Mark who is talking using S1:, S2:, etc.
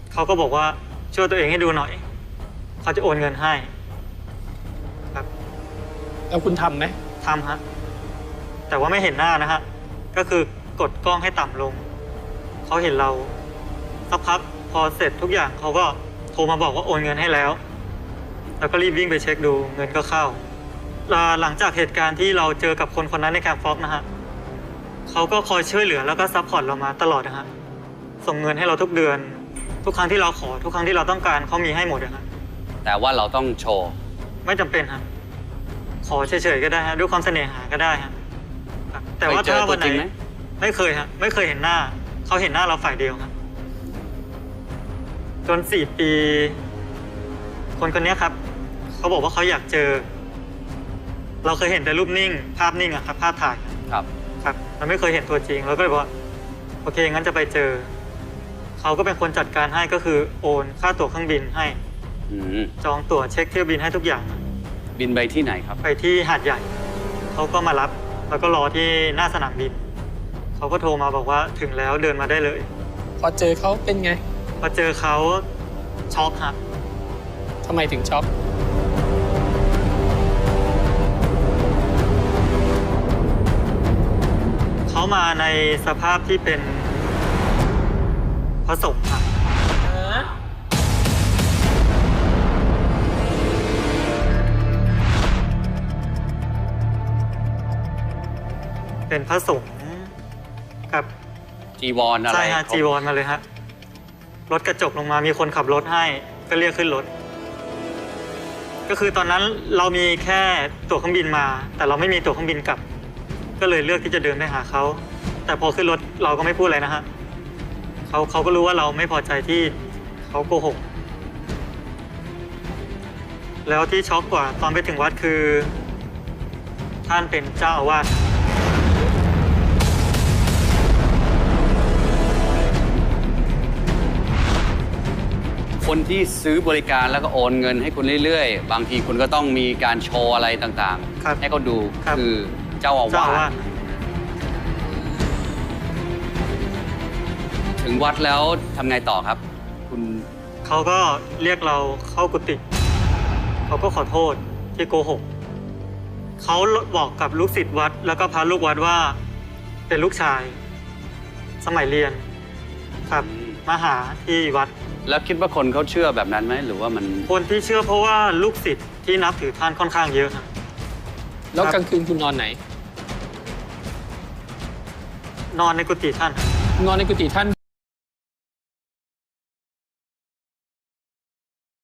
S1: เขาก็บอกว่าช่วยตัวเองให้ดูหน่อยเขาจะโอนเงินให้ครับ
S2: แล้วคุณทำไหม
S1: ทำฮะแต่ว่าไม่เห็นหน้านะฮะก็คือกดกล้องให้ต่ำลงเขาเห็นเราสักพักพอเสร็จทุกอย่างเขาก็โทรมาบอกว่าโอนเงินให้แล้วก็รีบวิ่งไปเช็คดูเงินก็เข้าหลังจากเหตุการณ์ที่เราเจอกับคนคนนั้นในแคมป์ฟ็อกนะฮะเขาก็คอยช่วยเหลือแล้วก็ซัพพอร์ตเรามาตลอดนะฮะส่งเงินให้เราทุกเดือนทุกครั้งที่เราขอทุกครั้งที่เราต้องการเขามีให้หมดนะฮะ
S3: แต่ว่าเราต้องโชว์
S1: ไม่จำเป็นฮะขอเฉยๆก็ได้ฮะด้วยความเสน่หาก็ได้ฮะครับแต่ว่าถ้าวันไหนไม่เคยฮะไม่เคยเห็นหน้าเขาเห็นหน้าเราฝ่ายเดียวครับจน4 ปีคนคนนี้ครับเขาบอกว่าเขาอยากเจอเราเคยเห็นแต่รูปนิ่งภาพนิ่งอะครับภาพถ่าย
S3: ครับ
S1: ครับเราไม่เคยเห็นตัวจริงเราก็เลยบอกว่าโอเคงั้นจะไปเจอเขาก็เป็นคนจัดการให้ก็คือโอนค่าตั๋วเครื่องบินให้จองตั๋วเช็คเที่ยวบินให้ทุกอย่าง
S3: บินไปที่ไหนครับ
S1: ไปที่หาดใหญ่เขาก็มารับแล้วก็รอที่หน้าสนามบินเขาก็โทรมาบอกว่าถึงแล้วเดินมาได้เลย
S2: พอเจอเขาเป็นไง
S1: พอเจอเขาช็อกฮะ
S2: ทำไมถึงช็อก
S1: เขามาในสภาพที่เป็นผสมฮะเป็นผสมกับ
S3: จีวรอะไร
S1: ใช่ฮะจีวรมาเลยฮะรถกระจกลงมามีคนขับรถให้ก็เรียกขึ้นรถก็คือตอนนั้นเรามีแค่ตั๋วเครื่องบินมาแต่เราไม่มีตั๋วเครื่องบินกลับก็เลยเลือกที่จะเดินไปหาเขาแต่พอขึ้นรถเราก็ไม่พูดอะไรนะฮะเขาก็รู้ว่าเราไม่พอใจที่เขาโกหกแล้วที่ช็อกกว่าตอนไปถึงวัดคือท่านเป็นเจ้าอาวาส
S3: คนที่ซื้อบริการแล้วก็โอนเงินให้คุณเรื่อยๆ บางทีคุณก็ต้องมีการโชว์อะไรต่าง
S1: ครับ
S3: ๆ ให้เขาดู
S1: ครับ
S3: คือเจ้าอาวาสถึงวัดแล้วทำไงต่อครับ คุณ
S1: เขาก็เรียกเราเข้ากุฏิเขาก็ขอโทษที่โกหกเขาบอกกับลูกศิษย์วัดแล้วก็พระลูกวัดว่าเป็นลูกชาย สมัยเรียนครับมาหาที่วัด
S3: แล้วคิดว่าคนเขาเชื่อแบบนั้นไหมหรือว่ามัน
S1: คนที่เชื่อเพราะว่าลูกศิษย์ที่นับถือท่านค่อนข้างเยอะครับ
S2: แล้วกลางคืนคุณนอนไหน
S1: นอนในกุฏิท่าน
S2: นอนในกุฏิท่าน